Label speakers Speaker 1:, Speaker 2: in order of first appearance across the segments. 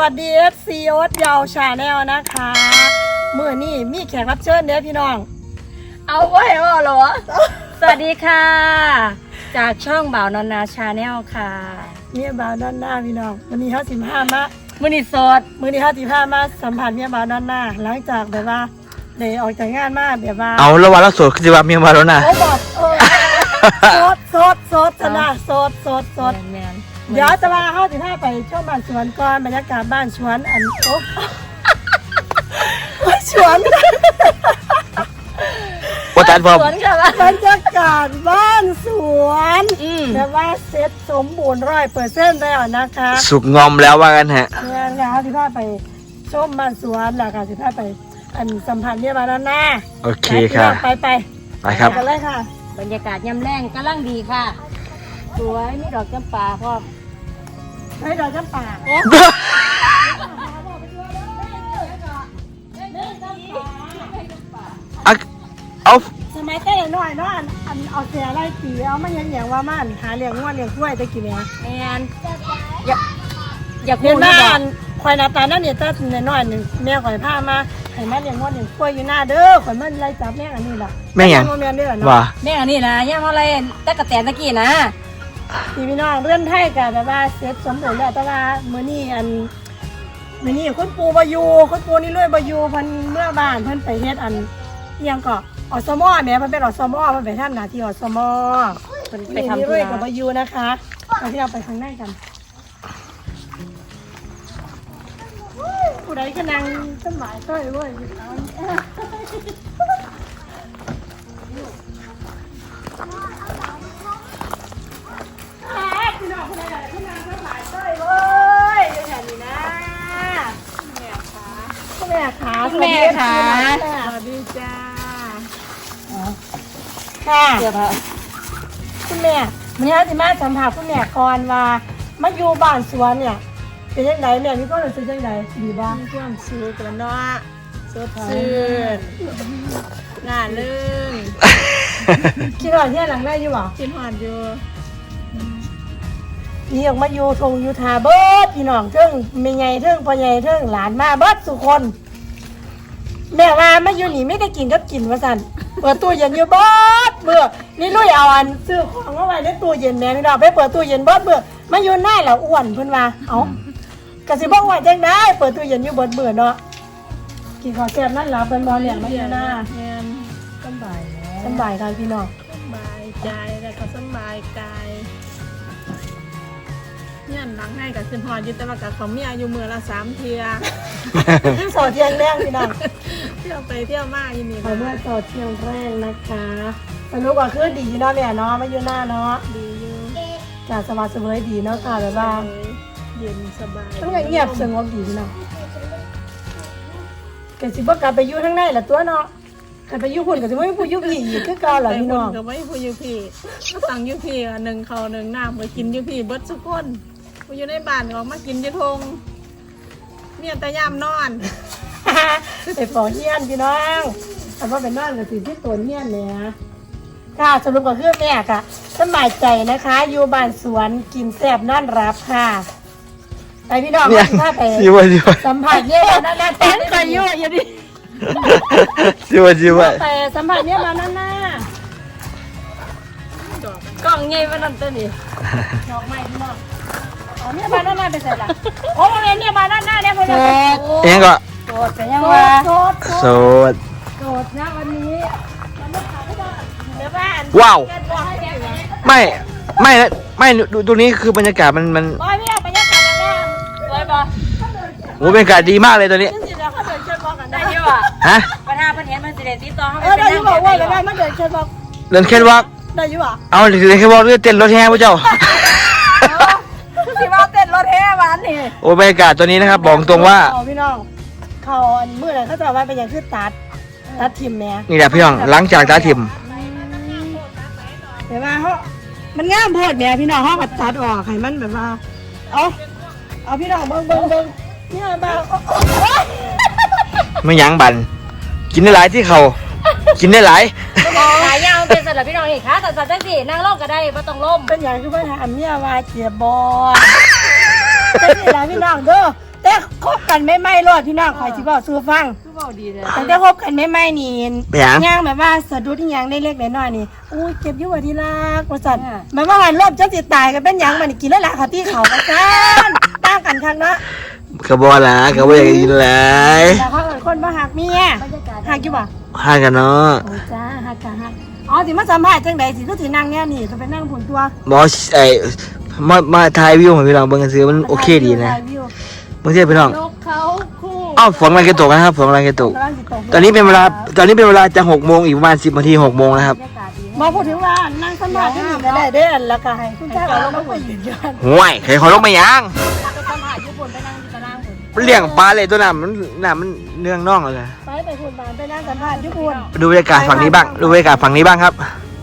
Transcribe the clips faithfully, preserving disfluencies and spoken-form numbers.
Speaker 1: วัสดี เอฟ ซี โอ๊ตยาวชาแนลนะคะเมื่อนี้มีแขกรับเชิญเด้อพี่น้องเอาไว้เอาเหรอ
Speaker 2: สวัสดีค่ะ จากช่องบ่าวนอนนาชาแนลค่ะ
Speaker 1: เมียบ่าวด้านหน้าพี่น้องวันนี้เขาสิบห้ามา
Speaker 2: มือนิสด
Speaker 1: มื้อนี้เขาสิบห้ามาสัมผัสเมียบ่าวด้านหน้าหลังจากแบบว่าได้ออกจากงานมาแบบว่า
Speaker 3: เอาระหว่างเราโสดคือจะว่าเมียมาแล้วนะ
Speaker 1: โอ้บอกเออโสดโสดโสดชนะโสดโสดโสด
Speaker 2: แมน
Speaker 1: เดี๋ยวจะมาเข้าสิบห้าไปชมบ้านสวนก่อนบรรยากาศบ้านสวนอันโอ๊ะสวน
Speaker 3: ว่าตัดพอ
Speaker 2: สวนค่ะว่า
Speaker 1: บรรยากาศบ้านสวน
Speaker 2: อืม
Speaker 1: แบบว่าเซ็ตสมบูรณ์ร้อยเปอร์เซ็นต์แล้วนะคะ
Speaker 3: สุกงอมแล้วว่ากันฮะ
Speaker 1: งานงานสิบห้าไปชมบ้านสวนแล้วค่ะสิบห้าไปอันสัมผัสเนี่ยมาแล้วนะ
Speaker 3: โอเคค่ะ
Speaker 1: ไปไป
Speaker 3: ไปครับ
Speaker 1: กันเลยค่ะ
Speaker 2: บรรยากาศยำแรงกำลังดีค่ะ สวยมีดอกจำปาพร้อม
Speaker 1: ให้เราจำป่า
Speaker 3: เอาเอา
Speaker 1: สมัยเต้หน่อยเนาะอันอันเอาเสียไล่ตีเอามาอย่างอย่างว่ามันหาเลี้ยงงวดเลี้ยงกล้วยตะกี้เนี่ย
Speaker 2: แมนอยากอยาก
Speaker 1: เห็
Speaker 2: พู
Speaker 1: น
Speaker 2: ด
Speaker 1: บ้า
Speaker 2: นะ
Speaker 1: นควายนาตานั่นเนี่ยตั้งน้อยหนึ่งแม่ข่อยพามาให้มาเลี้ยงงวดเลี้ยงกล้วยอยู่หน้าเด้อข่อยมันไล่จับแม่อันนี้ล่ะ
Speaker 3: แม่หยัง
Speaker 1: แม่เด้อ
Speaker 3: ว่า
Speaker 1: เนาะ
Speaker 2: แม่อันนี้นะย่างอะไรตะกะแตนตะกี้นะ
Speaker 1: พี่พี่น้องเรื่องไทยกับแบบว่าเสร็จสมบูรณ์แล้วแต่ว่ามื้อนี้อันมื้อนี้คุณปู่บ่อยู่คุณปู่นี่รวยบ่อยู่เพิ่นเมื่อบ้านเพิ่นไปเฮ็ดอันอิหยังก็อสมแม่เพิ่นเป็นอสมเพิ่นไปทำหน้าที่อสม
Speaker 2: เพิ่น
Speaker 1: ไป
Speaker 2: ไป
Speaker 1: ทำ
Speaker 2: ทำ
Speaker 1: นี่
Speaker 2: ธุ
Speaker 1: รวย
Speaker 2: ระ
Speaker 1: กับบ่อยู่นะคะเอาที่เราไปข้างในกันผู้ใดก็นั่งสมัยต้อยเว้ยพี่น้องผู้ใดก็นั่งสมัยต้อยเว้ยอยู่แถวนี้นะแม่ขาแม่ขา
Speaker 2: สวัสดีจ้า
Speaker 1: ค่ะ
Speaker 2: เดี๋ยวพะ
Speaker 1: คุณแม่วันนี้เราจะมาสัมผัสคุณแม่ก่อนว่ามาอยู่บ้านสวนเนี่ยเป็นยังไงแม่มีความรู้สึกยังไงดีบ้าง
Speaker 4: มีความสุขแล้วเนาะสดชื่นงานเรื่อง
Speaker 1: คิดว่าที่หลังได้อยู่หรอ
Speaker 4: กินหอดอยู่
Speaker 1: พี่ออกมาอยู่ทงอยู่ทาเบิดพี่น้องเทิงแม่ใหญ่เทิงพ่อใหญ่เทิงหลานมาเบิดสุคน แม่ว่ามาอยู่นี่ไม่ได้กินกับกินว่าสั่นเปิดตู้เย็นอยู่เบิดเบื่อนี่ลุยเอาอันซื้อของเอาไว้ในตู้เย็นแม่พี่น้องไปเปิดตู้เย็นเบิดเบื่อมาอยู่หน้าแล้วอ้วนเพิ่นว่าเอ้ากะสิบอกว่าจังได้เปิดตู้เย็นอยู่เบิดเบื่อเนาะกินข้าวแซ่บนั่นล่ะเป็นบ่เนี่ยมาอยู่หน้า
Speaker 4: เงินสบายแล้ว
Speaker 1: สบายกันพี่น้อง
Speaker 4: สบายใจแล้วก็สบายกายเนี่ยหลังให้กับขึ้นหอดอยู่แต่ว่ากับของเมียอยู่มือละสามเทีย
Speaker 1: โซเทียงแรงพี่น้อง
Speaker 4: เที่ยวไปเที่ยวมาอยู่นี่
Speaker 1: ขอเมื่อโซเทียงแรงนะคะสนุกกว่าคือดีเนาะแม่เนาะมาอยู่หน้าเนาะ
Speaker 4: ดีอยู่
Speaker 1: จากสบายสบายดีเนาะค่ะแบบว่า
Speaker 4: เย็นสบาย
Speaker 1: ต้องเงียบสงบดีพี่น้องกสิบ่กลับไปอยู่ทั้งในละตัวเนาะกลับไปอยู่พุ่นก็สิบ่มีผู้อยู่พี่อีกคือเก่าล่ะพี่น้อง
Speaker 4: ก็ไม่พูดอยู่พี่ก็สั่งอยู่พี่อ่ะหนึ่งเขาหนึ่งน้ำไปกินอยู่พี่เบิดสุกคนไปอยู่ในบ้านก็มากินอยู่ทงเมียแต่ยามนอน
Speaker 1: ไปปอเฮียนพี่น้องแต่ว่าเป็นนอนก็สิที่ตัวเฮียนเนี่ยค่ะสรุปก็คือแม่ค่ะสบายใจนะคะ อยู่บ้านสวนกินแซ่บนอนรับค่ะไปพี่น้อง
Speaker 3: เนี่ย
Speaker 1: ถ้าไป
Speaker 3: ชิวะชิวะ
Speaker 1: สัมผัสเนี่ยมาหน้าๆ
Speaker 2: แตนก็ยั่วอยู่ดิ
Speaker 3: ชิวะชิวะ
Speaker 1: ไปสัมผัสเนี่ยมาหน้า
Speaker 2: กล่องใหญ่มานั่นตัวนี้
Speaker 1: ๆดอกไม้พี่น้องเอาเนี่ยมาหน้าๆไปใส่ละโอ้โรงเรียนเนี่ยมาหน้าๆเนี่ยพอ
Speaker 2: โส
Speaker 1: ดี
Speaker 2: ด
Speaker 3: เองก็
Speaker 2: โสดแต่ยัง
Speaker 1: โส
Speaker 2: ว่า
Speaker 1: ดโสด
Speaker 3: โสด
Speaker 1: โสดนะวันนี้มันไม่ขายไม่ได้เดี๋ยวบ้าน
Speaker 3: ว้าว
Speaker 1: เดี๋ยวบอกให้แกไป
Speaker 3: ไม่ไม่นะไม่ดูตรงนี้คือบรรยากาศมันมัน
Speaker 1: บอยพี่เอาไปยัดกันแล้ว
Speaker 2: สวยปะ
Speaker 3: โอ้บรรยากาศดีมากเลยตัวนี้
Speaker 1: จริงๆแล้วเขาเดินเชิญบอกกัน
Speaker 2: ได้
Speaker 1: ได้
Speaker 2: อยั่ว
Speaker 3: ฮะ
Speaker 2: ปัญหาปัญหามันสิเดติดต่อเขา
Speaker 1: เออได้อยู่บอกว่าแล้วได้มาเดินเชิญบอก
Speaker 3: เดินแค่วอล์ก
Speaker 1: ได้อยู่อ่ะ
Speaker 3: เอาเดินแค่วอล์กเรือเต้นรถแห่พระเจ้า
Speaker 2: สิว่าเต้นรถแห่หวานนี่
Speaker 3: โอ้บรรยากาศตัวนี้นะครับบอกตรงว่า
Speaker 1: เอพี่น้องเขาอันมือไหนเขาจะว่าเป็นอย่างคือตัดตัดทิมแม่
Speaker 3: นี่แหละพี่น้องหลังจากตาถิ่ม
Speaker 1: เดี๋ยวว่าเขามันง่ามโพดแม่พี่น้องเขาก็ตัดออกให้มันแบบว่าเอาเอาพี่น้องเบิ่งเบิ่งเบิ่งเนี่ยบ้า
Speaker 3: ไม่ยั้งบันกินได้หลายที่เขากินได้หลาย
Speaker 2: ขายยาวเป็นสลับพี่น้องอีกค่ะแต่สัตว์จังสินั่งล่มก็ได้ไม่ต้องล่ม
Speaker 1: เป็นอย่างคือว่าถามเนี่ยว่าเจียบอลแต่นี่แหละพี่น้องเด้อแต่คบกันไม่ไม่รอดพี่น้องคอยสิบอกสู้ฟัง
Speaker 4: คือเว้าดีเลย
Speaker 1: ตั้งแต่คบกันไม่ไม่นี่
Speaker 3: เป็นหยัง
Speaker 1: ย่างแบบว่าสะดุดที่ย่างได้เล็กน้อยๆนี่อุ้ยเจ็บอยู่ว่าที่รักว่าซั่นหมายว่าหันรอบจะสิตายกันเป็นหยังมันกินแล้วล่ะค่ะที่เขาว่าซั่นต่างกันคักเนาะ
Speaker 3: กระบอกละกระบอกอยากกินเลย
Speaker 1: แต่เขาเป็นคนบ่หักเมียหักอยู่บ่
Speaker 3: ห้ากันเนาะ
Speaker 1: โอ้จ้าหักกะหักอ๋อสิมาสัมภาษณ์จังใดสิคือสินั่งแนวนี่เขาไปนั่งผลตัว
Speaker 3: บอสไอ้มามาถ่ายวิวให้พี่น้องเบิ่งกันซื้อมันโอเคดีนะบางทีพี่น้อง
Speaker 4: นกเขาคู่
Speaker 3: อ้าวฝนกำลังจะตกนะครับฝนกำลังจะตก ตอนนี้เป็นเวลาตอนนี้เป็นเวลาจะหกโมงอีกประมาณสิบนาทีหกโมงนะครับ
Speaker 1: บอกพูดถึงว่านั่งสัมภาษณ์ที่นี่ก็ได้เด้อแล้วก็ให้คุณชายเอาลงมาคุยยืนยัน
Speaker 3: ห่วยใครเขาลงมายัง
Speaker 2: ไปสัมผัสญี่ปุ่นไปนั่งที่ตารางผม
Speaker 3: มันเลี้ยงปลาเลยตัวน้ำมันน้ำมันเนื่องน่องเลย
Speaker 1: ไปไปคุณมาไปนั่งสัมภาษณ์ที่คุณ
Speaker 3: ดูบรรยากาศฝั่งนี้บ้างดูบรรยากาศฝั่งนี้บ้างครับ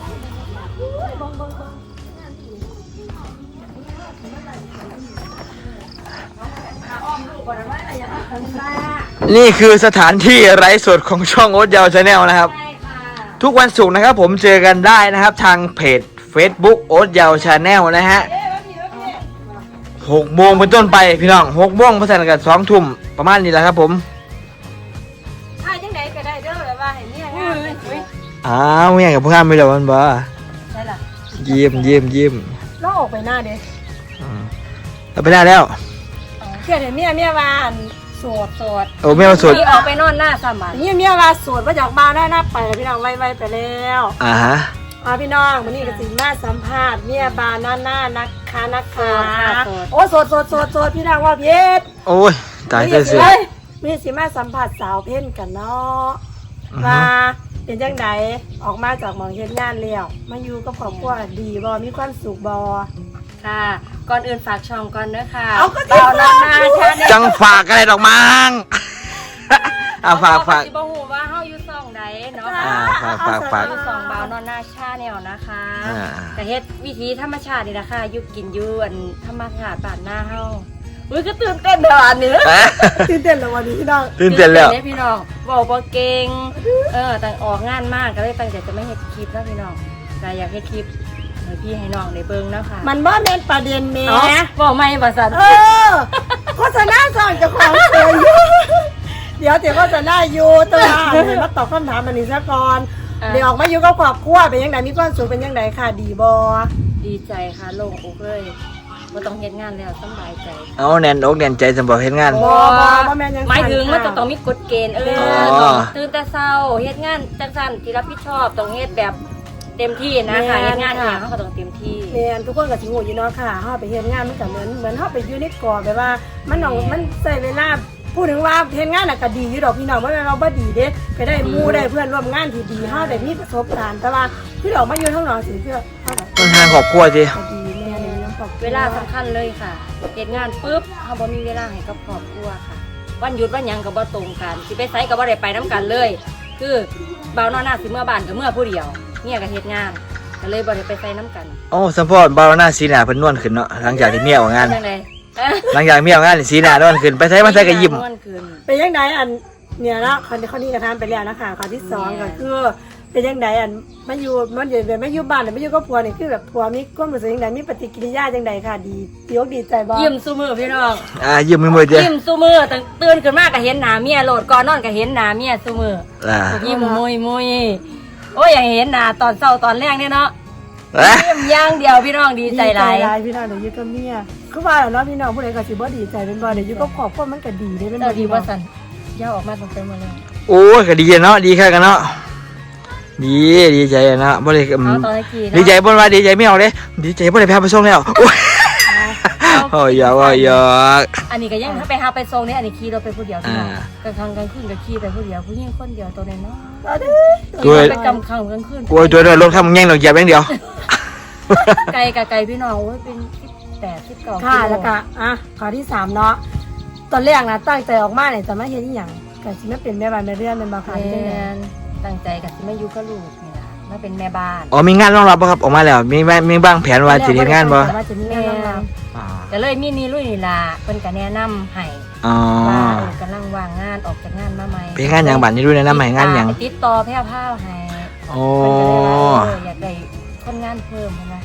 Speaker 3: นี่คือสถานที่ไร้สดของช่องโอ๊ตยาวชาแนลนะครับ
Speaker 2: ใช่ค่ะ
Speaker 3: ทุกวันศุกร์นะครับผมเจอกันได้นะครับ ทางเพจ Facebook โอ๊ตยาวชาแนลนะฮะหกโมงเป็นต้นไปพี่น้องหกโมงพัฒนาการสองทุ่มประมาณนี้แหละครับผม
Speaker 2: ถ่ายจังไหนก็ได้เด้อแบบว่าเห็นเนี่ยงามเลยอุ้ย
Speaker 3: อ้าวเมียกับพวกข้ามไม่เหรอมันบ่
Speaker 2: ใช่ล่ะ
Speaker 3: เยี่ยมเยี่ยมเยี่ยม
Speaker 1: เราออกไปหน้าเด้
Speaker 3: อืมเราไปได้แล้ว
Speaker 1: เกิดเห็นเมียเมียวานโสด
Speaker 2: โสด
Speaker 3: โอ้เมียมาสุด
Speaker 2: นี่ออกไปนอนหน้าสามบัน
Speaker 1: เมียเมียวาโสดมาจากบ้านได้หน้าไปแล้วพี่น้องไวๆไปแล้ว
Speaker 3: อ่าฮะ
Speaker 1: อ่าพี่น้องวันนี้ก็สิมาสัมภาษณ์เมียบานหน้าหน้านักค้านักค้าโอ้โสดโสดโสดโสดพี่น้องว่าเพชร
Speaker 3: โอ้ยตายเตยเสือ
Speaker 1: มีสิมาสัมผัสสาวเพ่นกันเนาะ
Speaker 3: อือฮึ
Speaker 1: ว่าเป็นจังไดออกมาจากหมองเฮ็ดงานแล้วมาอยู่กับครอบครัวดีบ่มีความสุขบ่
Speaker 2: ค่ะ ก่อนอื่นฝากช่องก่อนเด้อค่ะ
Speaker 1: เอาก็สิ
Speaker 2: เบานานาชาแนล
Speaker 3: จังฝากอะไรดอกมัง อ่าฝากฝาก
Speaker 2: สิบ่ฮู้ว่าเฮาอยู่ช่องใดเนาะ
Speaker 3: อ่าฝากฝากฝาก
Speaker 2: อยู่ช่องเบานอนนาชาแนลนะคะ
Speaker 3: อ่า
Speaker 2: แต่เฮ็ดวิธีธรรมชาตินี่นะคะอยู่กินอยู่อันธรรมชาติบ้านหน้าเฮาอุ้ยก็ตื่นเต้นเด้ออันนี้
Speaker 1: ตื่นเต้นแล้ววันนี้พี่น้อง
Speaker 3: ตื่นเต้นแล้ว
Speaker 2: ตื่พี่น้องบอกบ่เก่งเออตั้งออกงานมากก็เลยตั้งใจจะไม่เฮ็ดคลิปนะพี่น้องแต่อยากเฮ็ดคลิปให้พี่ให้น้องได้เบิ่งนะคะ
Speaker 1: มันบ่แม่นประเด็นแหม่
Speaker 2: เนาะบอกไม่บ่ซั่น
Speaker 1: เออโฆษณาสร้างเจ้าของเสียอยู่เดี๋ยวเดี๋ยวโฆษณาอยู่ตัวเดี๋ยวมาตอบคำถามอันนี้ซะก่อนเดี๋ยวออกมาอยู่กับครอบครัวเป็นยังไงมีความสุขเป็นยังไงค่ะดีบ่
Speaker 2: ดีใจค่ะโล่งอกเลยบ่ต้องเฮ็ดงานแล้วสำบายใจ
Speaker 3: เอาแน่นอกแน่นใจสำหรับเฮ็ดงาน
Speaker 1: บ่บ่บ่แม่นยัง
Speaker 2: หมายถึงมันจะต้องมีกฎเกณฑ์เออ
Speaker 3: อ๋อ
Speaker 2: ต้องตื่นแต่เช้าเฮ็ดงานจังซั่นที่รับผิดชอบต้องเฮ็ดแบบเต็มที่นะคะเฮ็ดงานเนี่ยเขาก็ต้องเต็มที่
Speaker 1: แม่นทุกคนก็สิงูอยู่เนาะค่ะเฮาไปเฮ็ดงานมันก็เหมือนเหมือนเฮาไปอยู่ในกรอบแบบว่า มันต้องมันใช้เวลาพูดถึงว่าเฮ็ดงานน่ะก็ดีอยู่ดอกพี่น้องบ่แม่นเราบ่ดีเด้ก็ได้หมู่ได้เพื่อนร่วมงานที่ดีเฮาได้มีประสบการณ์แต่ว่าพี่ดอกมาอยู่ข้างนอกสิเพื่อเฮาก็
Speaker 3: มันทางครอบครัวสิ
Speaker 1: ดีแม่เลยน้ำตก
Speaker 2: เวลาสำคัญเลยค่ะเฮ็ดงานปุ๊บเฮาบ่มีเวลาให้กับครอบครัวค่ะ วันหยุดวันหยังก็บ่ตรงกันสิไปไสก็บ่ได้ไปนํกันเลย คือบ่าวนอนหน้าสิเมื่อบ้านก็เมื่อผู้เดียวเมียก็เฮ็ดงานก็เลยบ่ได้ไปไสนํกัน
Speaker 3: โอ้สัมพอดบาร์หน้าสีหน้าเพิ่นนวลขึ้นเนาะหลังจากที่เมียออกงาน
Speaker 2: จังได๋
Speaker 3: หลังจากเมียออกงานนี่สีหน้านวลขึ้นไปใช้มาใช้ก็ยิ้ม
Speaker 2: ม่วนขึ้น
Speaker 1: เป็นยังไงอันเนี่ยนะคนที่คนนี้ก็ทำไปแล้วนะคะข้อที่สองก็คือเป็นยังไงอันมาอยู่มันอยู่แบบมาอยู่บ้านหรือมาอยู่กับผัวนี่คือแบบผัวมีความรู้สึกยังไงมีปฏิกิริยาจังไดค่ะดีดีอกดีใจบ่
Speaker 2: ยิ้มซุมื้อพี่น้อง
Speaker 3: อ่ายิ้มไม่หมดเด้
Speaker 2: ยิ้มซุมื้อตั้งตื่นขึ้นมาก็เห็นหน้าเมียโลดก่อนนอนก็เห็นหน้าเมียซุมื้อ
Speaker 3: อ่า
Speaker 2: ยิ้มมุยมุยโอ้ยอยากเห็นหน้าตอนเช้าตอนแรกเนี่ยเนาะ
Speaker 3: เอ๊ะ
Speaker 2: ยิ้มอย่างเดียวพี่น้องดีใจหลาย
Speaker 1: ดีใจหลายพี่น้องเดี๋ยวอยู่กับเมียคือว่าแล้วเนาะพี่น้องผู้ใดก็สิบ่ดีใจเป็นบ่เดี๋ยวอยู่กับครอบครัวมันก็ดีได้เป็น
Speaker 2: เจ้า
Speaker 1: บ่
Speaker 2: ดี
Speaker 1: ดี
Speaker 2: ว่า
Speaker 1: บ่
Speaker 2: สันย่าออกมาตรงเต็มหมาเลย
Speaker 3: โอ้ยก็ดีเนาะดีแค่กันเนาะดีดีใจเนาะบ่ได้อื
Speaker 2: เอา
Speaker 3: ม
Speaker 2: ตอนตะกี้
Speaker 3: ดี
Speaker 2: เนาะ
Speaker 3: ใจบ่ว่าดีใจไม่เอาเด้ดีใจบ่ได้พาไปส่งแล้วโอ้ยโอ้ยอยากว่าอยาก
Speaker 2: อันนี้ก็ยังถ้าไปหาไปทรงนี่อันนี้ขี่รถไปผู้เดียวพี่น้อง
Speaker 3: อ่า
Speaker 2: กลางค่ำกลางคืนก็ขี่ไปผู้เดียวผู้หญิงคนเดียวตัวน้อยเนาะ
Speaker 1: เอาดิ
Speaker 3: ตัว
Speaker 2: ไปกำค่ำกลางคืน
Speaker 3: กูตัวรถข้ามแง่งดอกเหยียบอย่างเดียว
Speaker 2: ไกลกับไกลพี่น้องโอ้ยเป็นสิบแปดสิบเก้า
Speaker 1: ค่ะแล้วก็อ่ะข้อที่สามเนาะตอนแรกนะตั้งใจออกมาเนี่ยจะมาเฮ็ดอีหยังก็สิมาเป็นแม่บ้านแม่เรือนเป็นบ่ค่ะจังได๋
Speaker 2: ตั้งใจกับที่ไม่อยู่กับลูกนี่ล่ะมาเป็นแม่บ้าน
Speaker 3: อ๋อมีงานรองรับบ่ครับออกมาแล้วมีบ้างมีบ้างแผนว่าสิเฮ็ดงานบ่
Speaker 1: ว่าจะมีงานรองรับ
Speaker 3: อ๋อ
Speaker 2: ก็เลยมีนี่ลุยนี่ล่ะเพิ่นก็แนะนำให้
Speaker 3: อ๋อ
Speaker 2: ว่าเออกำลังว่างงานออกจากงานมาใหม่
Speaker 3: เป็นงานหยังบัดนี้ด้วยแนะนำให้งานหยัง
Speaker 2: ติดต่อแพร่ผ้าให้
Speaker 3: โอ้
Speaker 2: เพิ่นก็เลยว่าเอออยากได้คนงานเพิ่มนะ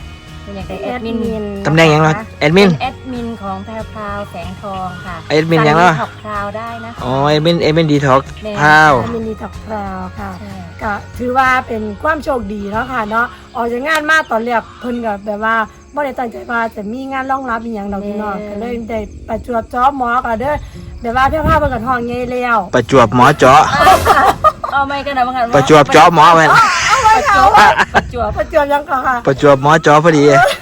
Speaker 2: เป็นอยากได้
Speaker 1: แอ
Speaker 2: แอ
Speaker 1: ด
Speaker 2: ด
Speaker 1: มิ
Speaker 2: มิ
Speaker 1: น
Speaker 2: น
Speaker 3: ตำแหน่งหยังเนาะแอดมิ
Speaker 2: เป็น นแอดมินของแพรวพราวแสงทองค่ะ
Speaker 3: แอดมินหยังเนาะ
Speaker 2: ขับพราวได้นะคะ
Speaker 3: อ๋อแอดมินแอดมินดีท็อกพาว
Speaker 1: แอดมินดีท็อกพราวค่ะ
Speaker 2: ใช่
Speaker 1: ก็ถือว่าเป็นความโชคดีเนาะค่ะเนาะออกจากงานมาตอนแรกเพิ่นก็แบบว่าบ่ได้ตั้งใจว่าจะมีงานรองรับอีหยังดอกพี่น้องก็เลยได้ประจวบจ้อหมอก็เด้อแบบว่าเพี่อพาเพิ่นก็ท้องใหญ่แล้ว
Speaker 3: ประจวบหมอเจาะ
Speaker 2: เอาไม่กันนะบางครั้ง
Speaker 3: ประจวบเจาะหมอแม่น
Speaker 2: ประจวบประจวบ
Speaker 1: ประจวบยังก็ค่ะ
Speaker 3: ประจวบหมอเจาะพอดี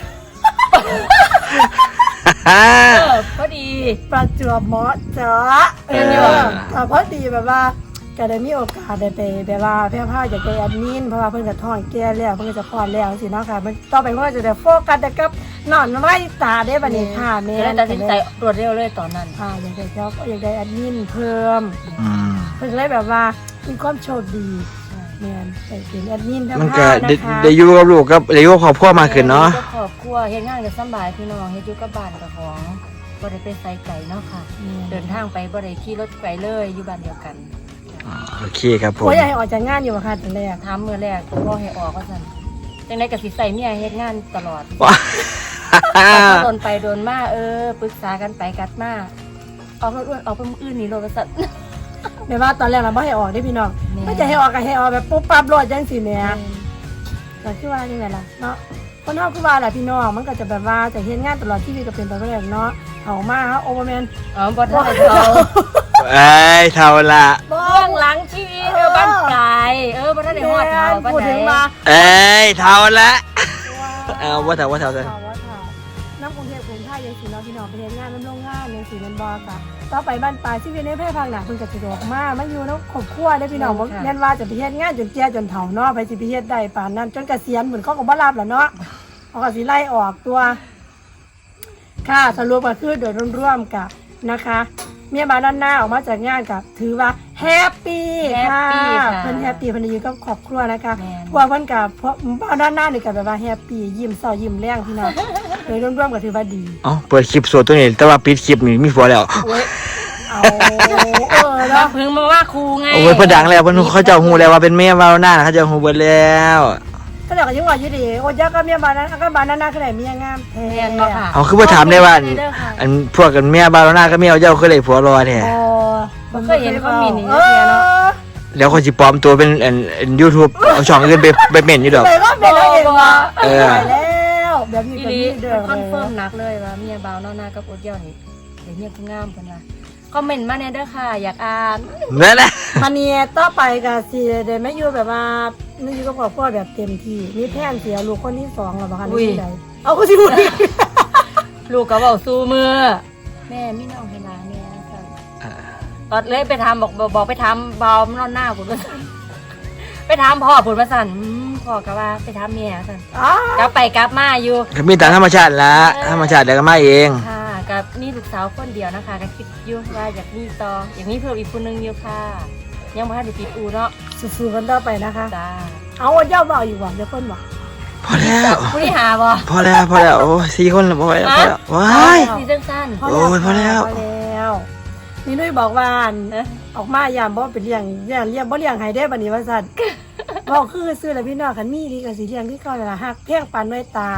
Speaker 2: เออพอดี
Speaker 1: ประจวบเหมาะเจาะเอ
Speaker 2: เอ
Speaker 1: อ
Speaker 2: อ
Speaker 1: ก็พอดีแบบว่าก็ได้มีโอกาสได้ไปแบบว่าเพี่อพาจะไปแอดมินเพราะว่าเพิ่นก็ท้องแก่แล้วเพิ่นก็จะคลอดแล้วสิเนาะค่ะมันต่อไปเพิ่นก็จะได้โฟกัสแต่กับนอนไว้ตาได้บัดนี้ค่ะแม่
Speaker 2: เลยตัดสินใจรวดเร็วเลยตอนนั้น
Speaker 1: ค่ะอยากได้เจ้าอยากได้แอดมินเพิ่ม
Speaker 3: อืม
Speaker 1: เพิ่นเลยแบบว่ามีความโชคดีแม่นไปเป็นแอดมินเพี่อ
Speaker 3: มัน
Speaker 1: พา
Speaker 3: ก็ได้
Speaker 1: นะคะ
Speaker 3: ได้อยู่กับลูกกับได้อยู่กับครอบครัวมากขึ้นเนาะ
Speaker 2: ฮ็ดกับครอบครัวเฮ็ดงานกับสำบายพี่น้องเฮ็ดอยู่กับบ้านกับของบ่ได้ไปไสไกลเนาะค่ะ เดินทางไปบ่ได้ขี่รถไกลเลยอยู่บ้านเดียวกัน
Speaker 3: โอเคครับผม
Speaker 1: โอ้ยอยากให้ออกจากงานอยู่อะค่ะตอนแรก
Speaker 2: ถามมื้อแรกพ่อให้ออกว่าซั่นจังได๋ก็สิใส่เมียเฮ็ดงานตลอด
Speaker 3: ว้า
Speaker 2: โดนไปโดนมาเออปรึกษากันไปกัดมาออกรถอ้วนออกไปมื้ออื่นนี่รถว่าซั่น
Speaker 1: แบบว่าตอนแรกเราไม่ให้ออกได้พี่น้อง
Speaker 2: แม่
Speaker 1: ไม่จะให้ออกก็ให้ออกแบบปุ๊บปั๊บรถจังสิแหม่ก็คือว่านี่แหละล่ะเนาะคนเฮาคือว่าแหละพี่น้องมันก็จะแบบว่าจะเฮ็ดงานตลอดชีวิตก็เป็นไปบ่ได้เนาะเอามาเฮาโอเวอร์แมน
Speaker 2: อ๋อบ่ทันได้เขา
Speaker 3: เอ้ยเท่าละ
Speaker 2: เบื้องหลังชีวิตเออบ้านไกลเออบ่ทันได้ฮอดเท่าบ้าน
Speaker 1: พูด
Speaker 2: ใด
Speaker 1: ถึงมา
Speaker 3: เอ้ยเท่าละ เอาว่าเท่าว่าเท่าเท่า
Speaker 1: ว่าเท่าน้ำกรุงเทพกรุงไทยยังสิเนาะพี่น้องไปเฮ็ดงานน้ำโรงงานยังสิแม่นบ่ค่ะต่อไปบ้านปลายชีวิตในแพร่ภาคหน้าเพิ่นก็สิออกมามันอยู่เนาะครอบครัวเด้อพี่น้องบ่แม่นว่าจะไปเฮ็ดงานจนแก่จนเฒ่าเนาะไปสิไปเฮ็ดได้ปานนั้นจนเกษียณเหมือนเขาก็บ่รับแล้วเนาะเขาก็สิไล่ออกตัว ค่ะสรุปก็คือโดยรวมๆกับนะคะ เมียบ้านด้านหน้าออกมาจากงานกับถือว่าแฮปปี้ค่ะเพิ่นแฮปปี้เพิ่นอยู่กับครอบครัวนะคะพวกเพิ่นกับพวกบ้านด้านหน้านี่ก็แบบว่าแฮปปี้ยิ้มเศร้ายิ้มแรงพี่น้องโดยรวมๆก็ถือว่าดี
Speaker 3: เอ๋อเปิดคลิปโซตัวนี้แต่ว่าปิดคลิปนี่มีผัวแล้ว
Speaker 2: โอ้ย
Speaker 1: เอาเออ
Speaker 2: มา
Speaker 1: เนาะ
Speaker 2: เพิ่งมาว่าครูไง
Speaker 3: โอ้ยเพิ่นดังแล้วเพิ่นเขาเจ้าฮู้แล้วว่าเป็นแม่วาวหน้าเขาเจ้าฮู้เบิดแล้ว
Speaker 1: ก็เดี๋ยวก็ยังว่าอยู่ดีโอ้ยยักก็เมียบ้านนั้นก็บ้านนั้นน่าคือได้เมียงามแท้
Speaker 2: แม่นบ่ค่ะ
Speaker 3: เอาคือบ่ถามได้ว่าอันอันพวกกันแม่วาวหน้าก็แม่เจ้าคือได้ผัวรอแท้
Speaker 1: อ๋อ
Speaker 2: บ่เคยเห็นเขามีนี่
Speaker 1: เอ
Speaker 2: เยอะแยะเนาะ
Speaker 1: อ
Speaker 3: แล้วคนสิปลอมตัวเป็นอันอัน YouTube เอาช่องอื่นไปไปเม่นอยู่ดอก
Speaker 1: ไปก็เป็นแล้วเองว่ะ
Speaker 3: เออ
Speaker 1: ไปแล้วแบบนี้
Speaker 2: อี
Speaker 1: ก็
Speaker 2: หลี
Speaker 1: มีเด้อ
Speaker 2: คอนเฟิร์มหนักเลยว่าเมียบ่าวนอนหน้ากับอดเยี่ยวนี่เดี๋ยวเมียผู้งามเพิ่นว่าคอมเมนต์มาแน่เด้อค่ะ อยากอ่าน
Speaker 3: นั่นแหละ
Speaker 1: มันเนี่ยต่อไปก็สิได้ไม่อยู่แบบว่าไม่อยู่กับครอบครัวแบบเต็มที่มีแผนเสียลูกคนที่สองแล้วบ่คะนี่ได้เอาก็สิพูดอีก
Speaker 2: ลูกก็บอกสู้มือแม่มีน้องให้หลานแม่ซั่นตอนเลยไปถามบอกบอกบอกไปถามบ่าวนอนหน้าพุ่นว่าซั่นไปถามพ่อพุ่นว่าซั่นอืมพ่อก็ว่าไปถามแม่ซั่น
Speaker 1: อ๋อก
Speaker 2: ลับไปกลับมาอยู่
Speaker 3: ก็มีตามธรรมชาติละธรรมชาติเดี๋ยวก็มาเอง
Speaker 2: ค่ะกับนี่ลูกสาวคนเดียวนะคะก็คิดอยู่ว่าอยากมีต่ออยากมีเพิ่มอีกคนนึงอยู่ค่ะ ยังบ่ทันได้ปิดอูเนาะ
Speaker 1: สู้ๆกันต่อไปนะคะ
Speaker 2: จ้า
Speaker 1: เอาว่าเจ้าบ่าวอยู่บ่เดี๋ยวคนบ่
Speaker 3: พอแล้ว
Speaker 2: ผู้ที่หาบ่
Speaker 3: พอแล้วพอแล้วโอ้ยสี่คนแล้วพอแล้วพอแล้วว้าย
Speaker 2: ซีซั่นสั้น
Speaker 1: พอ
Speaker 3: โอ้ยพอแล้ว
Speaker 1: พอแล้วนี่นุ้ยบอกว่า
Speaker 2: เอ๊ะ
Speaker 1: ออกมายามบ่ไปเลี้ยงเลี้ยงเลี้ยงบ่เลี้ยงให้ได้บัดนี้ว่าซั่นบอกคือซื้อแล้วพี่น้องคันมีดีก็สิเลี้ยงคือเก่านั่นล่ะฮักเพียงปานด้วยตา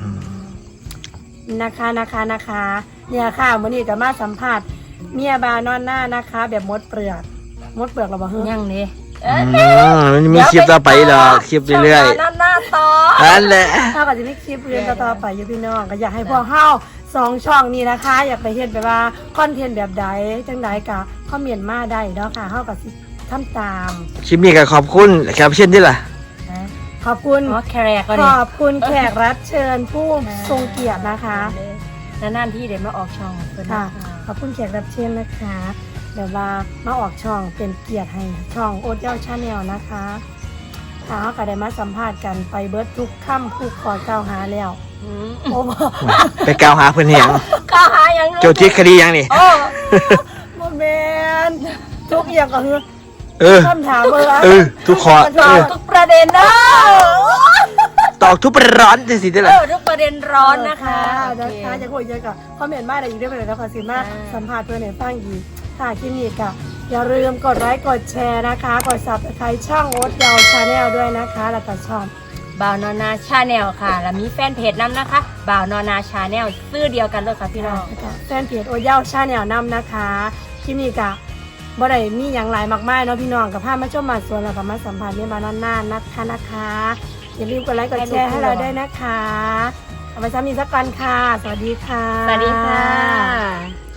Speaker 1: นะคะนะคะนะคะเนี่ยค่ะวันนี้จะมาสัมภาษณ์เมียบานอนหน้านะคะ แบบมดเปลือกมดเปลือกเราบอกเฮ้ย
Speaker 2: ยังนี่
Speaker 3: อืมมันมีคลิปต่อไปหรอกคลิปเรื่อย
Speaker 2: ๆนั่นหน้าต่อ
Speaker 3: ๆนั่นแหละ
Speaker 1: ถ้าก็จะมีคลิปเรียนต่อๆไปอยู่พี่น้องก็อยากให้พวกเฮาสองช่องนี้นะคะ อยากไปเห็นแบบว่าคอนเทนต์แบบใดจังใดกะคอมเมนต์มาได้เนาะค่ะเฮาก็สิทำตาม
Speaker 3: คลิปนี้ก็ขอบคุณแขกรับเช่นที่ล่ะ
Speaker 1: ขอบคุณ
Speaker 2: อ๋อแครกก็
Speaker 1: ข
Speaker 2: ดิ
Speaker 1: อบคุณแขกรับเชิญผู้ทรงเกียรตินะคะ
Speaker 2: นานๆที่เดี๋ยวมาออกช่องเพิ่น
Speaker 1: ค่ะ
Speaker 2: นะคะ
Speaker 1: ขอบคุณแขกรับเชิญนะคะแบบว่ามาออกช่องเป็นเกียรติให้ช่องโอ๊ตเย้าชาแนลนะคะถ้าเขาก็ได้มาสัมภาษณ์กันไปเบิร์ดทุกค่ำผู้ขอกล่าวหาแล้ว
Speaker 2: อืม
Speaker 1: โอ้
Speaker 3: ไปกล่าวหาเพื่อนเหียง
Speaker 2: ก็หายัง
Speaker 3: โจทย์ที่คดียังนี่
Speaker 2: โอ้
Speaker 1: โมเมนทุกอย่างก็คือ
Speaker 3: เออ
Speaker 1: คำถามเบอร์
Speaker 3: เออ ทุกขอ
Speaker 2: ต
Speaker 3: เอ
Speaker 2: อบ
Speaker 3: อ
Speaker 2: ทุกประเด็นนะ
Speaker 3: ตอกทุกประร้อนจะสิได้
Speaker 2: เอ
Speaker 3: ล่ะ
Speaker 2: อทุกประเด็นร้อนนะคะ
Speaker 1: นะ
Speaker 2: โอเค
Speaker 1: คะจะคุยเยอะกับคอมเมนต์มาอะไรอีกได้ไหมแล้วขอสิมา
Speaker 2: ค่ะ
Speaker 1: สัมภาษณ์เพื่อนในฟังอีกค่ะคลิปนี้ก็อย่าลืมกดไลค์กดแชร์นะคะ กดซับสไครต์ช่องโอ๊ตเย้าชาแนลด้วยนะคะ แล้วก็ช่อง
Speaker 2: บ่าวนอนาชาแนลค่ะแล้วมีแฟนเพจนำนะคะบ่าวนอนาชาแนลชื่อเดียวกันเลยค่ะพี่น้อง
Speaker 1: แฟนเพจโอเย่าชาแนลนำนะคะคลิปนี้กะบ่ได้มีอย่างไรมากมายเนาะพี่น้องกับพามาชมมาสวนแล้วก็มาสัมผัสเมียบานอนน่านนะคะนะคะอย่าลืมกดไลค์กดแชร์ให้เราด้วยนะคะเอาไปซ้ำอีกสักกันค่ะ สวัสดีค่ะ
Speaker 2: สวัสดีค่ะ